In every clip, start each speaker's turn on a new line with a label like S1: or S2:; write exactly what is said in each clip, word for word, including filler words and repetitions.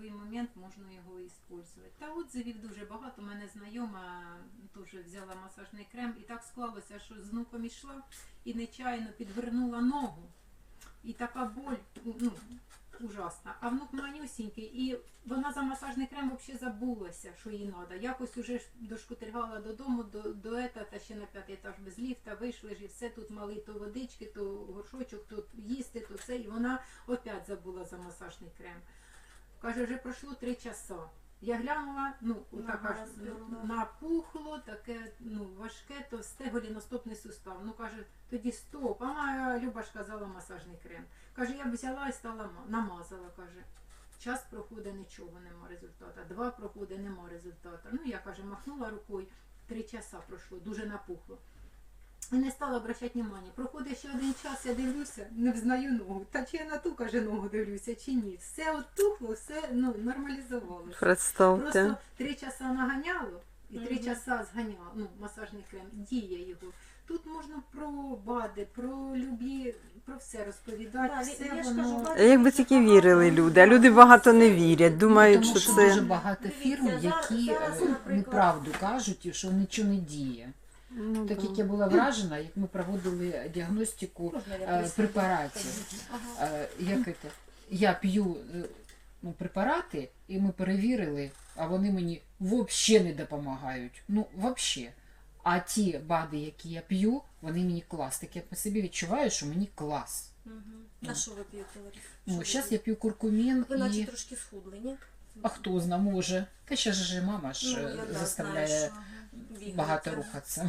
S1: будь-який момент можна його використовувати. Та отзивів дуже багато. У мене знайома теж взяла масажний крем, і так склалося, що з внуком йшла і нечайно підвернула ногу. І така боль, ну, ужасна. А внук манюсінький, і вона за масажний крем взагалі забулася, що їй треба. Якось уже дошкутильгала додому, до, до ета, та ще на п'ятий етаж без ліфта, вийшли ж і все, тут мали то водички, то горшочок, то їсти, то це. І вона опять забула за масажний крем. Каже, вже пройшло три часа. Я глянула, ну, отак аж напухло, таке, ну, важке, товсте, голіностопний сустав. Ну, каже, тоді стоп, а моя Люба ж казала масажний крем. Каже, я б взяла і стала, намазала, каже. Час проходить, нічого нема результату. Два проходить, нема результату. Ну, я, каже, махнула рукою, три часа пройшло, дуже напухло. І не стала обращати внимання. Проходить ще один час, я дивлюся, не взнаю ногу. Та чи я на ту, каже, ногу дивлюся, чи ні. Все оттухло, все, ну, нормалізувалося.
S2: Представте.
S1: Просто три часа наганяло і три угу. часа зганяло, ну, масажний крем, діє його. Тут можна про БАДи, про любі, про все розповідати.
S3: Да,
S1: все
S3: я
S1: воно...
S3: кажу,
S2: Якби тільки вірили люди, а люди багато не вірять, думають,
S4: Тому
S2: що
S4: що
S2: це...
S4: дуже багато фірм,
S3: Дивіться,
S4: які
S3: зараз,
S4: е,
S3: наприклад,
S4: неправду кажуть, і що нічого не діє.
S2: Ну,
S4: Так
S2: да.
S4: як я була вражена, як ми проводили діагностику
S3: Можна я
S4: е,
S3: присяду?
S4: препаратів.
S3: Ага.
S4: Е, як це? Я п'ю е, ну, препарати, і ми перевірили, а вони мені взагалі не допомагають. Ну, взагалі. А ті БАДи, які я п'ю, вони мені клас. Так я по собі відчуваю, що мені клас.
S3: Угу. А що ви п'єте, Лариса?
S4: Ну,
S3: Що
S4: зараз
S3: ви
S4: я п'ю куркумін
S3: Ви наче
S4: і...
S3: трошки схудли, ні?
S4: А хто зна, може. Та ще ж мама ж
S3: Ну,
S4: е,
S3: я, да,
S4: заставляє
S3: знаю, що, ага,
S4: багато
S3: бігаєте.
S4: рухатися.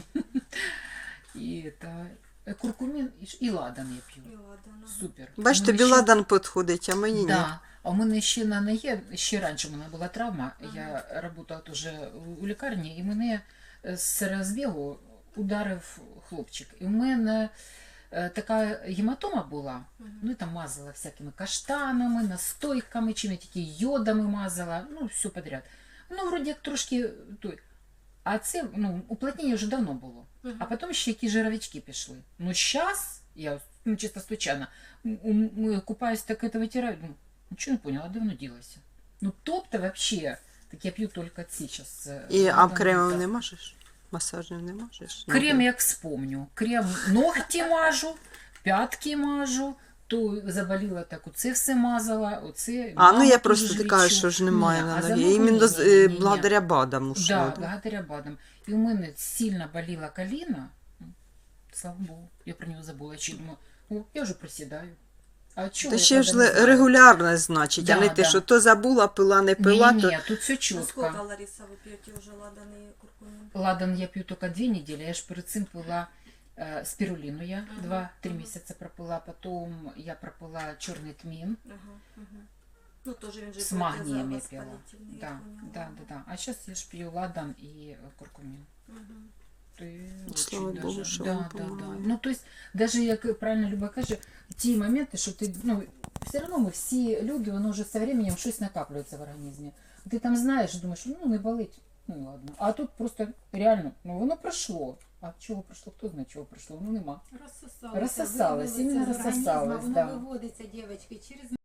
S4: І та, е, куркумін і, ж- і ладан я п'ю.
S3: І ладно.
S4: Супер.
S2: Бач,
S4: У
S2: тобі
S4: мене ще-
S2: ладан підходить, а мені ні.
S4: Да. А у мене ще на ноге, ще раніше у мене була травма, я працювала теж у лікарні, і мене з розбігу ударив хлопчик. І в мене е, така гематома була, ну і там мазала всякими каштанами, настойками, чим я тільки йодами мазала, ну все подряд. Ну, вроді як трошки той. А це, ну, уплотнення вже давно було. А потім ще які жировички пішли. Ну, зараз, я, ну, чисто случайно, м- м- купаюсь, так это вытираю, ну, ничего не поняла, давно ділася. Ну, тобто, вообще, так я п'ю тільки ці зараз.
S2: І, а кремом не мажеш? Масажним не мажеш?
S4: Крем, як вспомню. Крем ногті мажу, п'ятки мажу, то заболіла так, оце все мазала, оце...
S2: А, ну я
S4: маму
S2: просто
S4: теж
S2: ти кажеш,
S4: лічу.
S2: що ж немає
S4: Ні,
S2: на
S4: а за
S2: ногі.
S4: ногу
S2: Іменно
S4: ні,
S2: з-
S4: ні,
S2: е,
S4: ні, ні.
S2: благодаря БАДам ушло.
S4: Да, благодаря БАДам. І у мене сильно боліла коліна, слава Богу, я про нього забула, чи думаю, о, я вже присідаю. А чого
S2: Та
S4: я
S2: ще ж
S4: тоді не
S2: ле-
S4: знаю?
S2: регулярно, значить, а
S4: Да,
S2: не ти,
S4: да.
S2: що то забула, пила, не пила,
S4: Ні,
S2: то...
S4: ні, тут все
S3: Ну, сколько,
S4: чітко.
S3: Лариса, ви п'єте вже ладан і куркумін?
S4: Ладан я п'ю тільки дві неділі, я ж перед цим пила е, спіруліну, я
S3: Ага,
S4: два-три
S3: ага.
S4: місяці пропила, потім я пропила чорний тмін,
S3: Ага, ага. Ну, теж він же
S4: з магнієм я
S3: протизавоспалительний,
S4: пила.
S3: я
S4: Да,
S3: поняла.
S4: да, да, да. А зараз я ж п'ю ладан і е, куркумін.
S3: Мгм.
S4: Ти
S2: Слава
S4: очень
S2: Богу,
S4: даже-
S2: що
S4: да,
S2: вам
S4: да, да.
S2: помагає.
S4: Ну, то есть, даже як правильно Люба каже, ті моменти, що ти, ну, все одно ми всі люди, воно вже з временем щось накаплюється в організмі. Ти там знаєш, думаєш, ну, не болить, ну, і ладно. А тут просто реально, ну, воно пройшло. А чого пройшло, хто знає, чого пройшло, ну, нема.
S1: Розсосалося,
S4: Розсосалось,
S1: виводиться
S4: іменно
S1: з організму,
S4: розсосалось,
S1: воно
S4: да.
S1: виводиться, дівчатки, через